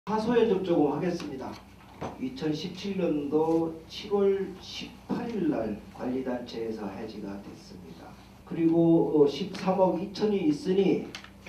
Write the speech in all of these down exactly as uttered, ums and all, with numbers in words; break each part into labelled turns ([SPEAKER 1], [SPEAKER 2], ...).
[SPEAKER 1] 하소연 좀 조금 하겠습니다. 이천십칠 년도 칠월 십팔일 날 관리단체에서 해지가 됐습니다. 그리고 십삼억 이천이 있으니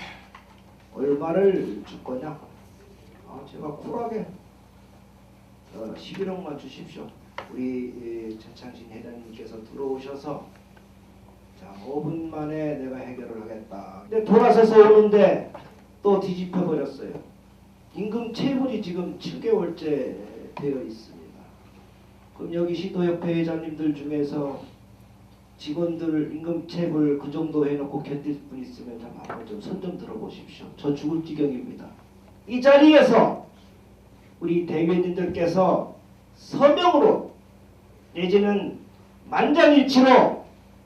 [SPEAKER 1] 얼마를 줄 거냐? 아, 제가 쿨하게 어, 십일억만 주십시오. 우리 최창신 회장님께서 들어오셔서 자, 오 분 만에 내가 해결을 하겠다. 근데 돌아서서 오는데 또 뒤집혀 버렸어요. 임금 체불이 지금 칠 개월째 되어 있습니다. 그럼 여기 시도협회 회장님들 중에서 직원들 임금 체불 그 정도 해놓고 견딜 분 있으면 좀 한번 좀 손 좀 들어보십시오. 저 죽을 지경입니다. 이 자리에서 우리 대변인들께서 서명으로 내지는 만장일치로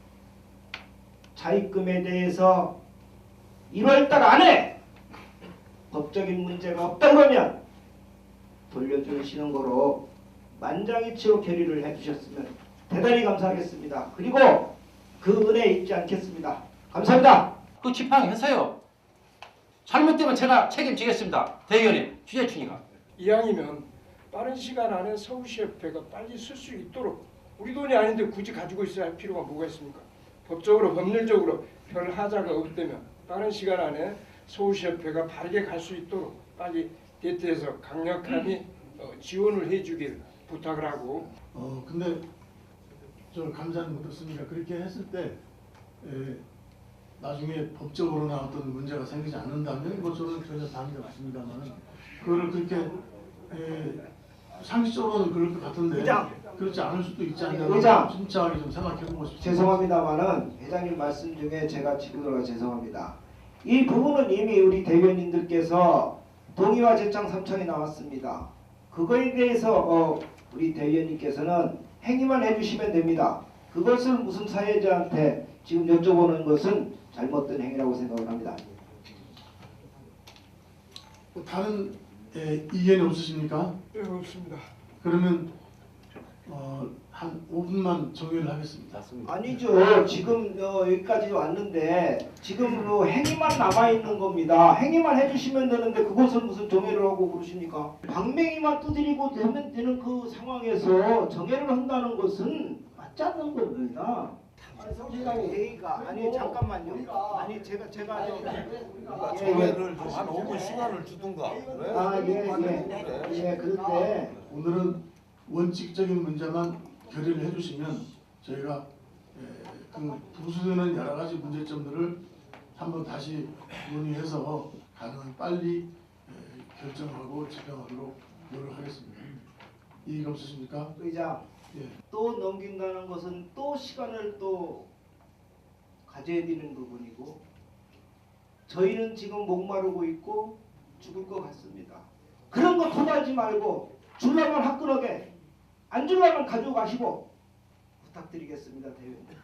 [SPEAKER 1] 차입금에 대해서 일월달 안에 법적인 문제가 없다 그러면 돌려주시는 거로 만장일치로 결의를 해주셨으면 대단히 감사하겠습니다. 그리고 그 은혜 잊지 않겠습니다. 감사합니다.
[SPEAKER 2] 그 지팡이해서요. 잘못되면 제가 책임지겠습니다. 대의원님, 취재춘이가.
[SPEAKER 3] 이왕이면 빠른 시간 안에 서울시협회가 빨리 쓸 수 있도록 우리 돈이 아닌데 굳이 가지고 있어야 할 필요가 뭐가 있습니까? 법적으로 법률적으로 별 하자가 없다면 빠른 시간 안에 서울시협회가 바르게 갈 수 있도록 빨리 대트에서 강력하게 어, 지원을 해주길 부탁을 하고.
[SPEAKER 4] 어 근데 저 감사는 어떻습니까? 그렇게 했을 때 에, 나중에 법적으로나 어떤 문제가 생기지 않는다면 뭐 저는 전혀 반대 없습니다만 그거를 그렇게 에, 상식적으로는 그럴 것 같은데
[SPEAKER 1] 의장.
[SPEAKER 4] 그렇지 않을 수도 있지 않냐.
[SPEAKER 1] 의장.
[SPEAKER 4] 진짜하게 좀 생각해보고 싶습니다.
[SPEAKER 1] 죄송합니다만은 회장님 말씀 중에 제가 지금 죄송합니다. 이 부분은 이미 우리 대변인들께서 동의와 제창 삼 청이 나왔습니다. 그거에 대해서 어, 우리 대변인께서는 행위만 해주시면 됩니다. 그것을 무슨 사회자한테 지금 여쭤보는 것은 잘못된 행위라고 생각을 합니다.
[SPEAKER 4] 뭐 다른 에, 이견이 없으십니까?
[SPEAKER 3] 네, 없습니다.
[SPEAKER 4] 그러면 어, 한 오 분만 정의를 하겠습니다.
[SPEAKER 1] 아니죠. 지금 어, 여기까지 왔는데 지금 어, 행위만 남아있는 겁니다. 행위만 해주시면 되는데 그것을 무슨 정해를 하고 그러십니까? 방맹이만 두드리고 되면 되는 그 상황에서 정해를 한다는 것은 맞지 않는 겁니다. 성실하게 회의가 아니 잠깐만요. 아니 제가 제가 좀
[SPEAKER 5] 정회를 좀 한 오 분 시간을 주든가. 왜?
[SPEAKER 1] 아예예 예, 예, 그런데
[SPEAKER 4] 오늘은 원칙적인 문제만 결의를 해주시면 저희가 에, 그 부수되는 여러 가지 문제점들을 한번 다시 논의해서 가능한 빨리 에, 결정하고 집행하도록 노력하겠습니다. 이의가 없으십니까?
[SPEAKER 1] 의장
[SPEAKER 4] 예.
[SPEAKER 1] 또 넘긴다는 것은 또 시간을 또 가져야 되는 부분이고 저희는 지금 목마르고 있고 죽을 것 같습니다. 그런 거 토달지 말고 줄라면 화끈하게 안 줄라면 가져가시고 부탁드리겠습니다. 대변인.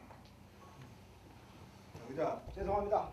[SPEAKER 1] 의장 죄송합니다.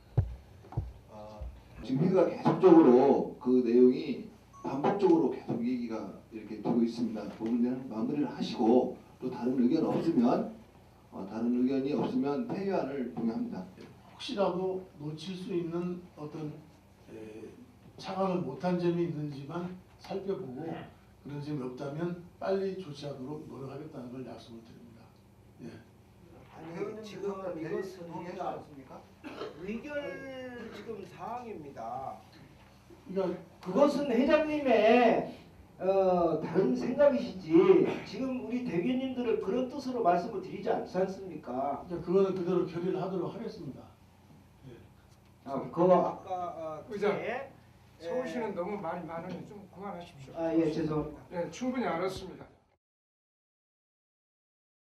[SPEAKER 6] 지금 회의가 계속적으로 그 내용이 반복적으로 계속 얘기가 이렇게 되고 있습니다. 그 문제는 마무리를 하시고 또 다른 의견 없으면 어, 다른 의견이 없으면 폐의안을 동의합니다.
[SPEAKER 4] 혹시라도 놓칠 수 있는 어떤 에, 차감을 못한 점이 있는지만 살펴보고 그런 점이 없다면 빨리 조치하도록 노력하겠다는 걸 약속을 드립니다. 예.
[SPEAKER 1] 아니 지금 이것은 동의하지 않습니까? 의결 지금 사항입니다.
[SPEAKER 4] 그러니까
[SPEAKER 1] 그것은 회장님의 어, 다른 생각이시지 지금 우리 대변인들을 그런 뜻으로 말씀을 드리지 않지 않습니까?
[SPEAKER 4] 그러니까 그거는 그대로 결의를 하도록 하겠습니다. 예.
[SPEAKER 1] 아, 그거 아까 어,
[SPEAKER 3] 의장.
[SPEAKER 1] 그게,
[SPEAKER 3] 서울시는 너무 말이 많으니 좀 그만하십시오.
[SPEAKER 1] 아, 예, 죄송합니다.
[SPEAKER 3] 네, 충분히 알았습니다.